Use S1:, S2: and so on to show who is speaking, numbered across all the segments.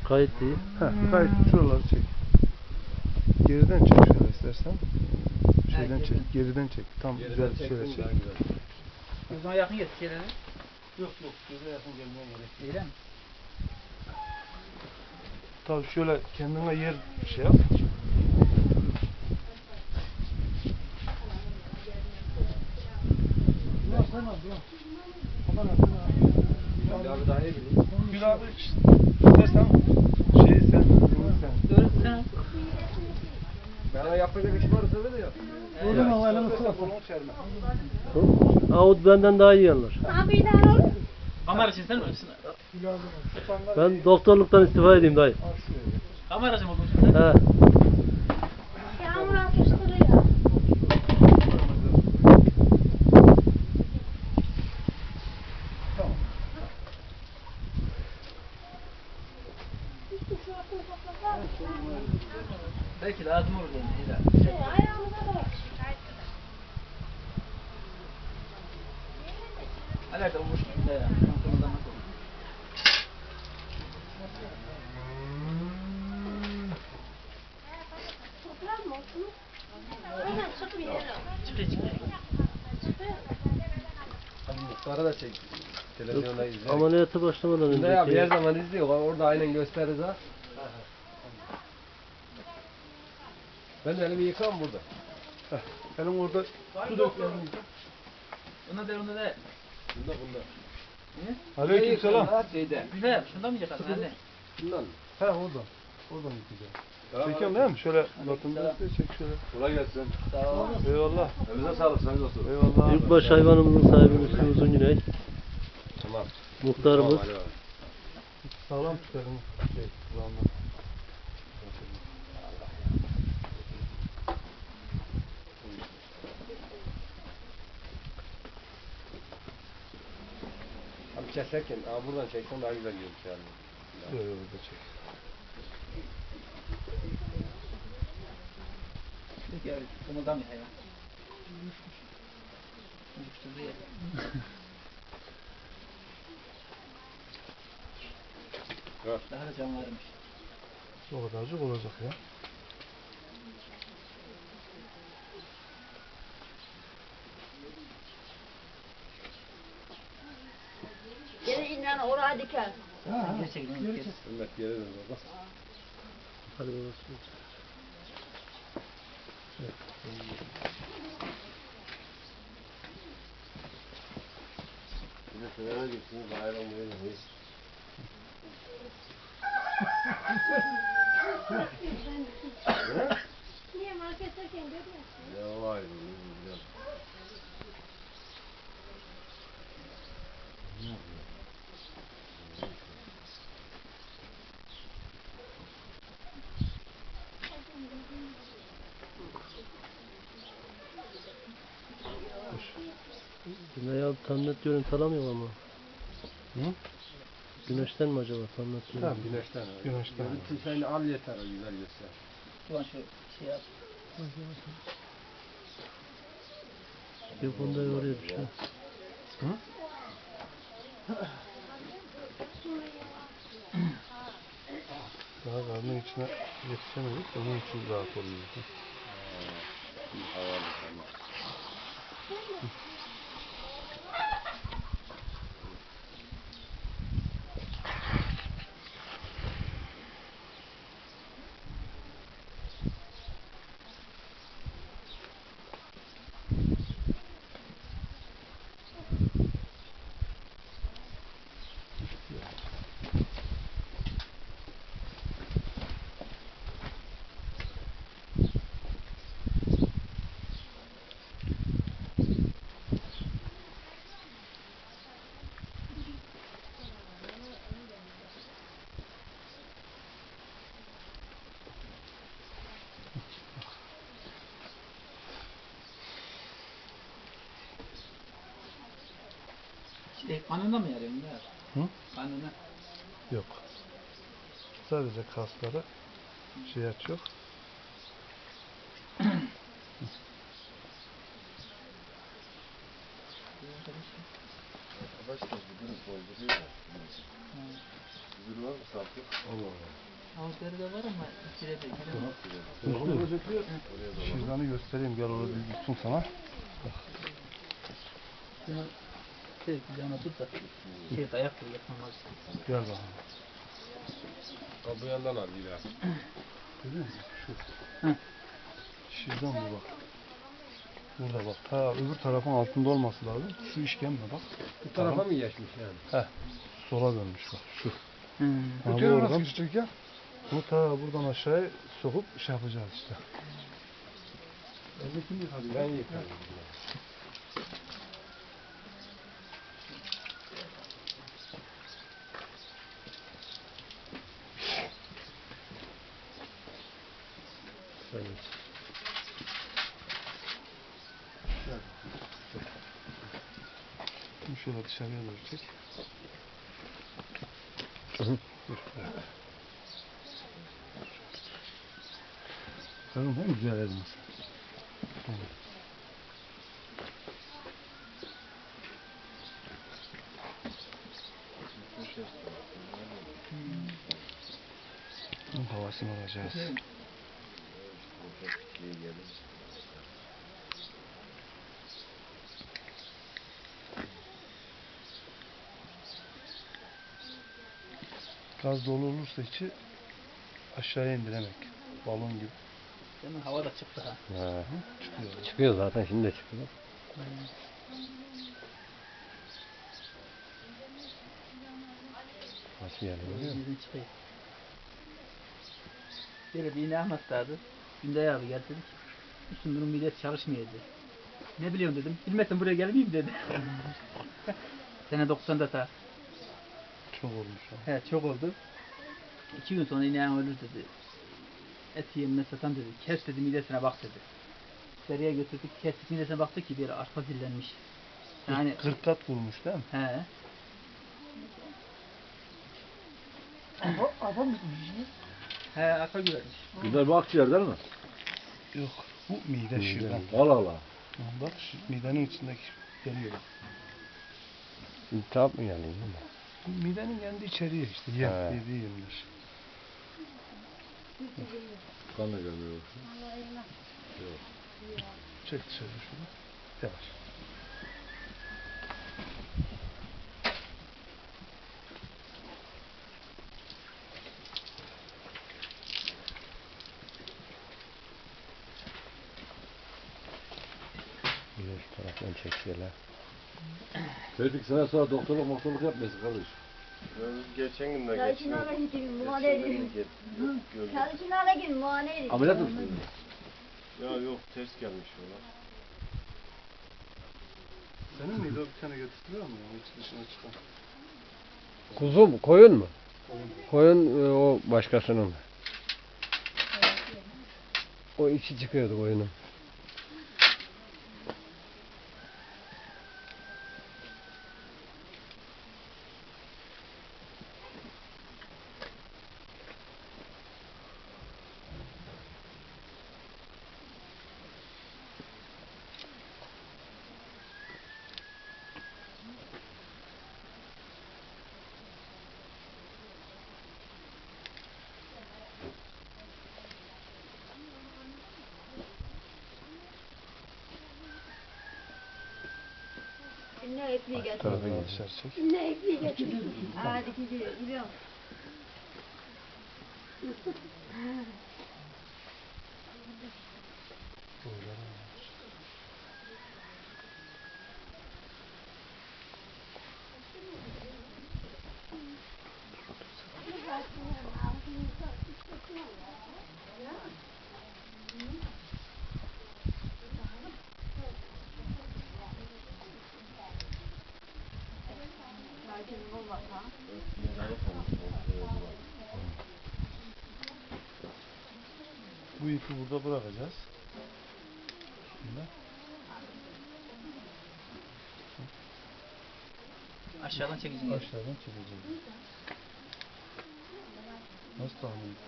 S1: Kayıt değil.
S2: Kayıt şuraları çek. Geriden çek şöyle istersen. Şeyden çek, geriden çek. Tam güzel şöyle çek.
S3: Gözüme yakın getir şeyleri.
S2: Yok, göze yakın gelmeye gerek yok.
S3: Öyle mi?
S2: Tabii şöyle kendine yer şey yap.
S4: Abi daha iyi bilin.
S2: Gül abi istersen sen.
S3: Doğru sen.
S4: Bana yapacak iş varsa da yap.
S2: Oradan havayla kolunu çerme.
S1: Ağut benden daha iyi yanlar.
S3: Kamera için sen mi?
S1: Ben doktorluktan istifa edeyim dayı.
S3: Kameracı mı oldun sen?
S1: He.
S5: Yağmur atıştırıyor.
S3: Belki lazım olur yani.
S5: Ayağımıza da bak.
S3: Alaka olmuş. Ya. Konudan nasıl olur?
S5: Toplar mı olsun? Aynen çıkıp gidelim.
S3: Çıkıyor.
S4: Muhtarı da çek. Televizyonda izle.
S1: Ameliyata başlamadan
S4: Ne abi her
S1: önceki
S4: zaman izliyor. Orada aynen gösteririz ha. Ben de elimi yıkam burada.
S2: Elin orada su dök elini yıka.
S3: Ona de.
S4: Bunda.
S3: Niye?
S2: Aleykümselam.
S4: Şeyde.
S3: Güzel. Şundan mı yıkarsın anne?
S4: Bundan.
S2: He oradan. Oradan yıkayacağım. Çekiyorum değil mi? Şöyle latında çek şöyle.
S4: Kolay gelsin.
S3: Sağ ol.
S2: Eyvallah.
S4: Elinize sağlık sayın dostum.
S2: Eyvallah.
S1: büyükbaş hayvanımızın sahibi Müslüm Uzungüney.
S4: Tamam.
S1: Muhtarımız.
S4: Tamam, hadi.
S2: Sağlam tutarım. Kulağımda.
S4: Abi keserken buradan çeksen daha güzel görünür yani.
S2: Böyle burada çek.
S3: Peki abi. Kımıldan bir hayvan. Uyuşturdu ya. Daha da can varmış.
S2: O kadarcık olacak ya.
S5: Gene inan oraya diker.
S3: Gerçekten.
S4: Ümmet geri dön baba.
S1: Hadi babası.
S4: Bir de sınava gitsiniz hayvan verin.
S5: Niye marketteyken görüyorsun?
S4: Ne var bu?
S1: Güney abi tam net görüntü alamıyor ama.
S2: Hı?
S1: Güneşten mi acaba tam net görüntü?
S4: Tamam güneşten.
S2: Güneşten.
S4: Görüntü sen al yeter o güzel göster.
S3: Ulan şu şey yap.
S1: Bir bunda yoruyor bir şey.
S2: Hı? Daha karnın içine yetişemedik. Onun için rahat oluyor.
S4: Havalı tamam.
S3: Kanında mı yarıyorsun ya?
S2: Hı?
S3: Kanına.
S2: Yok. Sadece kasları şey açıyor.
S4: Başka bir gün dolduruyor. Özür var mı Saltuk? Allah Allah.
S3: Avukları da var ama içeri de
S2: Şırdanı göstereyim, gel orada bir tutsun sana.
S3: Şunu şey yana tut da şey dayak koy yapmamaz.
S2: Gel bakalım.
S4: Ha, bu yandan al İlhan.
S2: Görüyor musun? Şu.
S3: Hı.
S2: Şırdan bu bak. Burada bak. Ta öbür tarafın altında olması lazım. Şu işkembe bak.
S4: Bu tarafa mı geçmiş yani?
S2: Sola dönmüş bak şu.
S3: Hmm.
S2: Ha, bu oradan ya. Bu ta buradan aşağıya sokup şey yapacağız işte.
S4: Ben yıkarım.
S2: Şimdi şöyle dışarıya doğru çek. Dur, evet. Bakalım hem güzel elması. Tamam. Bunun havasını alacağız. Gaz dolu olursa içi aşağıya indiremek. Balon gibi.
S3: Senin hava da çıktı ha.
S2: Çıkıyor.
S1: Çıkıyor zaten, şimdi de çıkıyor. Nasıl yani? Görüyor musun?
S3: Yüzün çıkıyor. Böyle bir iğne anlatlardı. Günday abi geldi dedi ki Müslüm bunun midesi çalışmıyor dedi. Ne biliyorsun dedim. Bilmezsen buraya gelmeyeyim dedi. Sene 90'da ta.
S2: Çok olmuş.
S3: He çok oldu. 2 gün sonra ineğin ölür dedi. Et yemine satan dedi. Kes dedi midesine bak dedi. Seriye götürdük. Kestik midesine baktık ki bir arpa zillenmiş. Yani
S2: Kırkat vurmuş değil mi?
S3: he. Arpa mı tutmuş? He arpa güvermiş.
S1: Bunlar bu akciğer değil mi?
S2: Yok. Bu mide şırdan.
S1: Allah Allah.
S2: Bak midenin içindeki geliyor bak.
S1: İltihap mı yani?
S2: Bu midenin kendi içeriği işte.
S1: He.
S2: Yediği yemler.
S1: Kan da görmüyor.
S2: Çek dışarı şunu. Yavaş.
S1: Güneş taraftan çekiyorlar. Çocuk sana sonra doktorluk yapmayasın kardeş.
S4: Geçen gün de
S5: Çalışınlara gidin, muayene edin. Çalışınlara gidin, muayene edin.
S1: Ameliyat mısın?
S4: Ya yok ters gelmiş ona.
S2: Senin miydi o bir tane getirtiyor mu? Hiç dışına çıkan.
S1: Kuzu mu? Koyun mu? Koyun o başkasının. O içi çıkıyordu koyunun.
S5: Ne ekmeği getir.
S2: Tarafa dışarı çek.
S5: Ne ekmeği getir. Hadi gidiyor, gidiyor.
S2: Bu ipi burada bırakacağız. Şimdi.
S3: Aşağıdan çekeceğim.
S2: Aşağıdan çekeceğiz. Nasıl tahmin?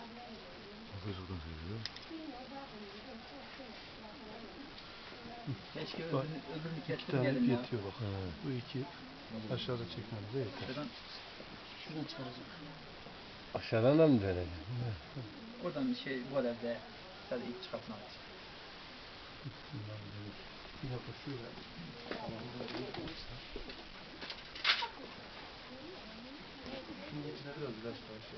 S3: Keşke
S2: Bak,
S3: öbürünü
S2: İki
S3: kestim
S2: tane ip
S3: geldim ya.
S2: yetiyor bak. Bu iki ip aşağıda çekmemize yeter.
S3: Şuradan Şuradan çıkaracağım.
S1: Aşağıdan da mı döneceksin?
S3: Oradan bu evde sadece ip çıkartmak için.
S2: Bir dakika şöyle. Şimdi içine biraz ilaç var şey.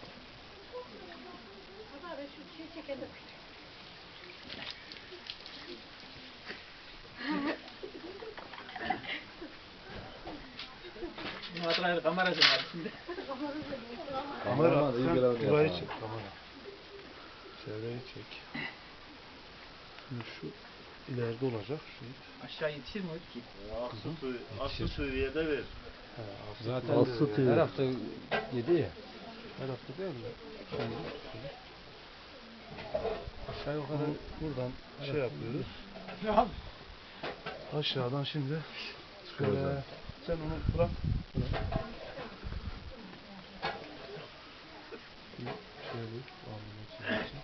S3: Bu hatırlayın kamerası var şimdi.
S2: Kamera,
S1: Kameraman iyi
S2: sen
S1: görebiliyor
S2: burayı
S1: sana.
S2: çek kamera. Çevreyi çek. Şimdi şu ileride olacak şey.
S3: Aşağı yetişir mi ki?
S6: Aslı seviyede ver.
S2: He,
S1: Zaten
S2: Aslı TV.
S1: her hafta yedi ya.
S2: Her hafta değil mi? Şimdi şöyle. Aşağı yukarı buradan şey yapıyoruz. Aşağıdan şimdi şöyle. Sen onu bırak. Şöyle bağlamaya çalışacağım.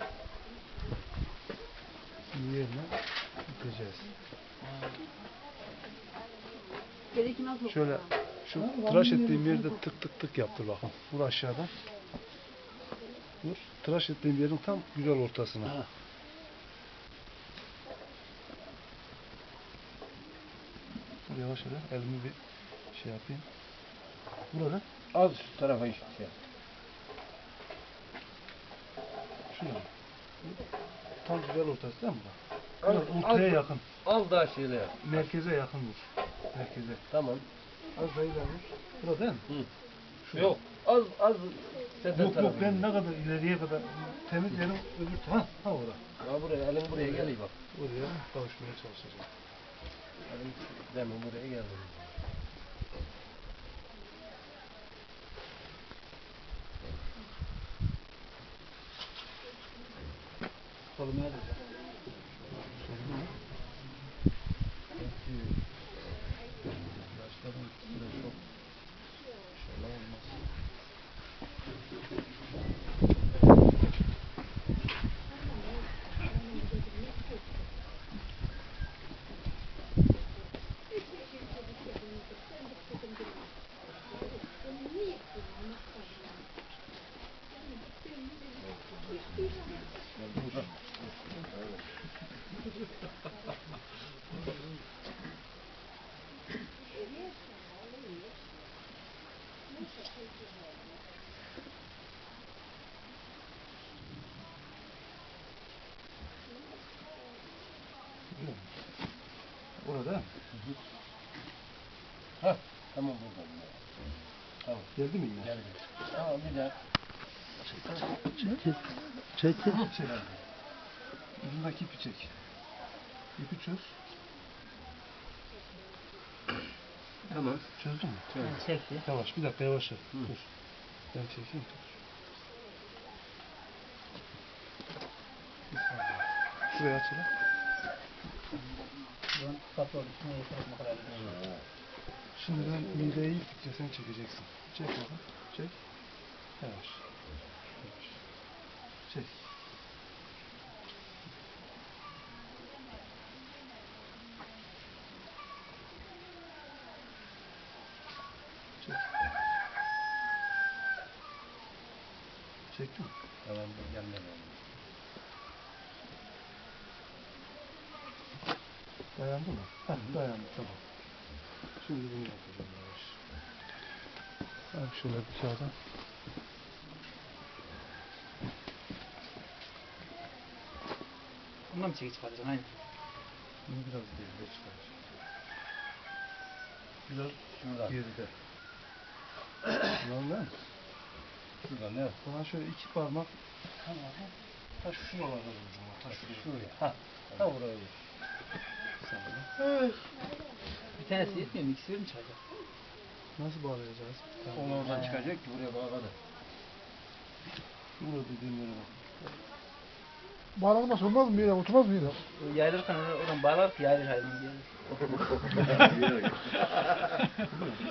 S2: Şimdi yerine yıkayacağız.
S5: Gerekli nasıl?
S2: Şöyle şu tıraş ettiğim yerde tık tık tık yaptır bakın. Vur aşağıdan. Vur. Tıraş ettiğim yerin tam güzel ortasına. Vur yavaş yavaş. Elimi bir şey yapayım. Burada.
S1: Az şu tarafa işte şey.
S2: Şurada. Tam güzel ortası değil mi? Biraz ortaya yakın.
S1: Az daha şeyle yap.
S2: Merkeze yakın vur. Merkeze.
S1: Tamam.
S2: Az daha ileri vur. Burada değil mi? Şurada.
S1: Yok. Az senden
S2: Yok
S1: tarafı.
S2: ben ne kadar ileriye kadar temiz yerim öbür ha orada.
S1: Ha buraya, elin buraya geliyor bak.
S2: Oraya kavuşmaya çalışacağım.
S1: Elin demin buraya geldi.
S3: Koluma yazıyor.
S2: Sorun mu? Başladım süre çok. İnşallah olmaz. Orada.
S1: Ha tamam buradan. Tamam.
S2: Geldi mi yine?
S1: Geldi. Tamam bir daha.
S2: Çek. Ucundaki ipi çek. İpi çöz.
S1: Tamam.
S2: Çözdün mü?
S3: Çekti.
S2: Yavaş bir dakika yavaş yap. Dur. Ben çekeyim. Bir saniye. Şurayı aç hele.
S3: Buradan kapı oldu. Şuna yeterek bu kadar.
S2: Şimdi ben mideyi gittikçe sen çekeceksin. Çek bakalım. Çek. Yavaş. Yavaş. Çek. Çek. Çektin mi?
S1: Tamam gelmedi.
S2: Dayandı mı? Heh, dayandı tamam. Şimdi bunu yapacağım yavaş. Abi şöyle bir kağıda.
S3: Bundan mı çekip çıkaracaksın? Aynen.
S2: Bunu biraz geride çıkar. Biraz
S1: Şuradan.
S2: geride. Şuradan değil mi?
S1: Şuradan ne?
S2: Bana şöyle iki parmak. Tamam. Ta şuralarda vuracağım. Ta şuraya.
S1: Ha. Ha buraya.
S3: Bir tanesi yetmiyor mu? İkisi mi çıkacak?
S2: Nasıl bağlayacağız?
S1: Onu oradan çıkacak ki buraya bağladı.
S2: Burada dediğim yere bak.
S7: Bağlanmaz olmaz mı yine? Oturmaz mı yine?
S3: Yayılırken oradan bağlar ki yayılır halinde.